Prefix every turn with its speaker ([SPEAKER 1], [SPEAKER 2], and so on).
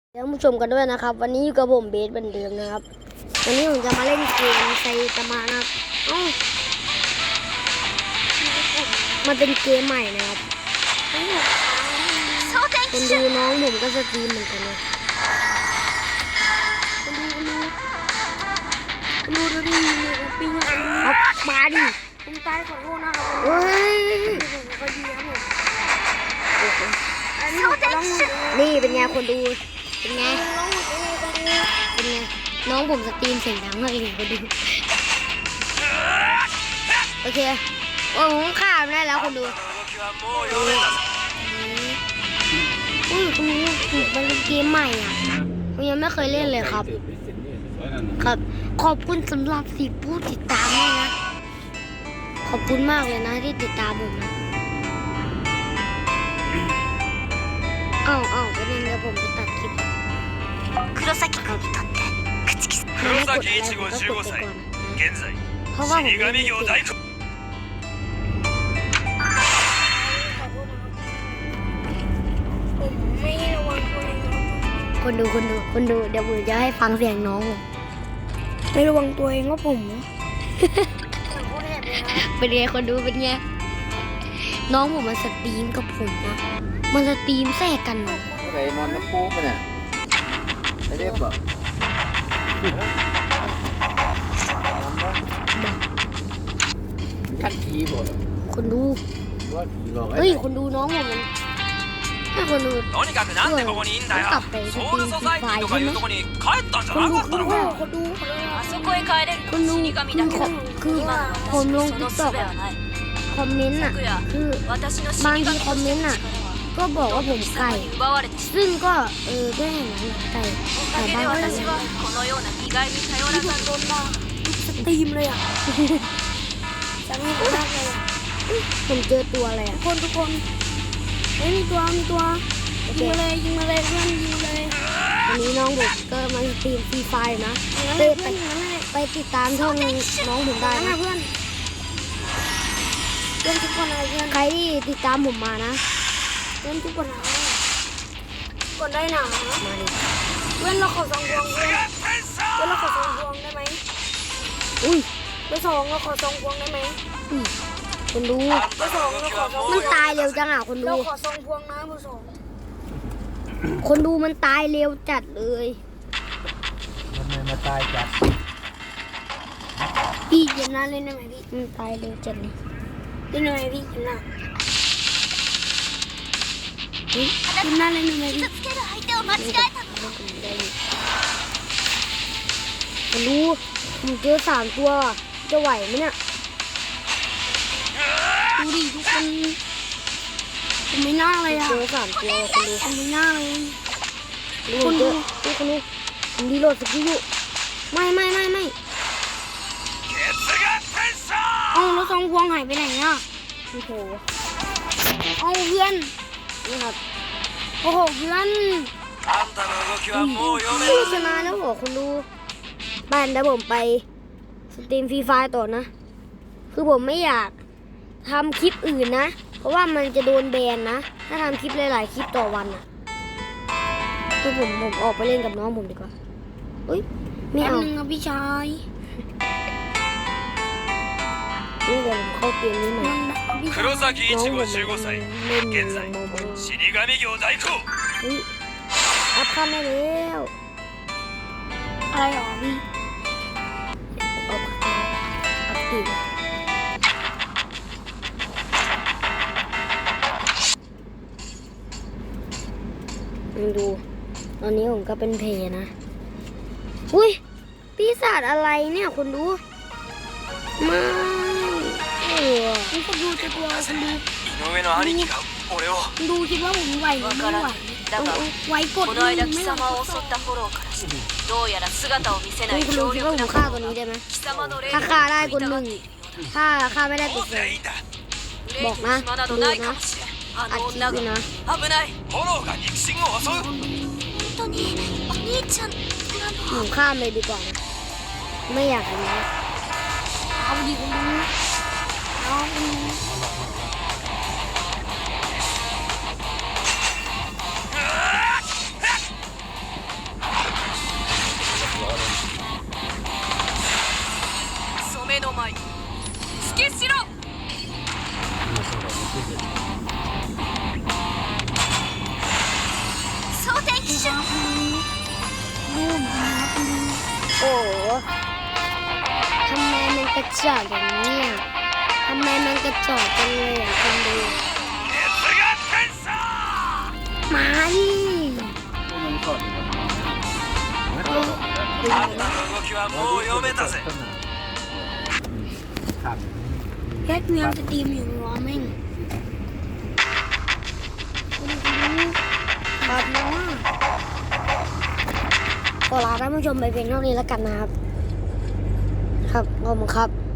[SPEAKER 1] เดี๋ยวผู้ชมกันด้วยนะครับวันนี้อยู่กับผมเบสเหมือนเดิมนะครับวันนี้ผมจะมาเล่นเกมไซตามะนะครับมันเป็นเกมใหม่นะครับคนดูน้องผมก็สตรีมเหมือนกันเลยคนดูดิปิงครับมาดิผมตายขอโทษนะครับเฮ้ยก็ดีครับผมนี่เป็นไงคนดูเป็นไงน้องผมสตรีมเสียงดังมากเลยคนดูโอเคโอ้ผมข้ามได้แล้วคนดูคุณดูมันเป็นเกมใหม่อ่ะผมยังไม่เคยเล่นเลยครับขอบคุณสำหรับ10 ผู้ติดตามด้วยนะขอบคุณมากเลยนะที่ติดตามผมนะอ้าวประเด็นเดี๋ยวผมจะตัดคลิป黒崎君にとって口木さん黒崎一護15歳現在死神業大工คนดูเดี๋ยวผมจะให้ฟังเสียงน้องไม่ระวังตัวเองว่าผมเป็นไงคนดูเป็นไงน้องผมมันสตรีมกับผมนะมันสตรีมแทรกกันนะ
[SPEAKER 2] ไอ้มอนน้ำปูมันเนี่ยไอ้เรียบแบบขั้นทีหมด
[SPEAKER 1] คนดูเฮ้ยคนดูน้องผมมันให้คนดู
[SPEAKER 3] とにかくなんでここにいんだよソウルソサイティとかいうとこに帰ったんじゃなかったのか
[SPEAKER 4] あそこへ帰れるのは死神だけど
[SPEAKER 1] คือผมลงติ๊กต็อกคอมเมนต์อ่ะคือบางทีคอมเมนต์อ่ะก็บอกว่าผมไก่ซึ่งก็ก็เห็นนะไก่
[SPEAKER 4] บ้าน私はこのような意外に頼らざる
[SPEAKER 1] สตรีมเลยอ่ะจะไม่พูดอะไรผมเจอตัวอะไรอ่ะทุกคนมีตัวยิงมาเลยเพื่อนยิงเลยวันนี้น้องผมก็มาสตรีมฟรีไฟนะไปติดตามช่องน้องผมได้นะเพื่อนทุกคนอะไรเพื่อนใครที่ติดตามผมมานะเล่นทุกคนนะกดได้หนามาดิเว้นเราขอ2 พวงเว้นเราขอ2 พวงได้ไหมอุ้ยไป2เราขอ2 พวงได้ไหมคนดูไป2เราขอ2มันตายเร็วจังอ่ะคนดูเราขอ2 พวงนะไป2คนดูมันตายเร็วจัดเลย
[SPEAKER 2] ทำไมมาตายจัด
[SPEAKER 1] พี่เจนน่าเล่นได้ไหมพี่มันตายเร็วจัดเลยเล่นได้ไหมพี่เจนน่าคุณน่าเล่นไหมพี่รู้ผมเจอ3 ตัวจะไหวไหมเนี่ยดูดิทุกคนผมไม่น่าเลยอะเจอ3 ตัวคุณดูผมไม่น่าเลยคุณดูผมดีโหลดสกิลอยู่ไม่เอาแล้ว2 พวงหายไปไหนอะโอ้โหเอาเพื่อนนี่ครับโอ้โหเพื่อนชนะแล้วเหรอคุณดูบ้านเดี๋ยวผมไปสตรีมฟรีไฟต่อนะคือผมไม่อยากทำคลิปอื่นนะเพราะว่ามันจะโดนแบนนะถ้าทำคลิปหลายๆคลิปต่อวันอ่ะคือผมออกไปเล่นกับน้องผมดีกว่าอุ้ยไม่เอานะพี่ชายนี่เดี๋ยวผมเข้าเกมนี้หน่อย
[SPEAKER 3] 黒崎一護15歳現在死神業大工
[SPEAKER 1] อัพขั้นได้แล้วอะไรหรอพี่อัพตีดูตอนนี้ผมก็เป็นเพนะอุ้ยปีศาจอะไรเนี่ยคุณดูมาคุณดูจะตัวคุณดูดูคิดว่าผมไหวหรือไม่ไหวไหวกดไม่ไหว
[SPEAKER 4] どうやら姿を見せない
[SPEAKER 1] 強力なฆ่าตัวนี้ได้ไหมถ้าฆ่าได้คน1ถ้าฆ่าไม่ได้ตัว2บอกนะดูนะอัดคลิปนะหนูข้ามเลยดีกว่านะไม่อยากเห็นนะเอาดีคุณดูน้องระจอกอย่างนี้อ่ะทำไมมันกระจอกจังเลยอ่ะคนดูมาดิ
[SPEAKER 2] มันสด
[SPEAKER 3] あんたの動きはもう読めたぜ
[SPEAKER 2] ครับ
[SPEAKER 1] แค่กูยังสตรีมอยู่รอแม่งครับนะขอลาท่านผู้ชมไปเพียงเท่านี้แล้วกันนะครับ ครับขอบคุณครับ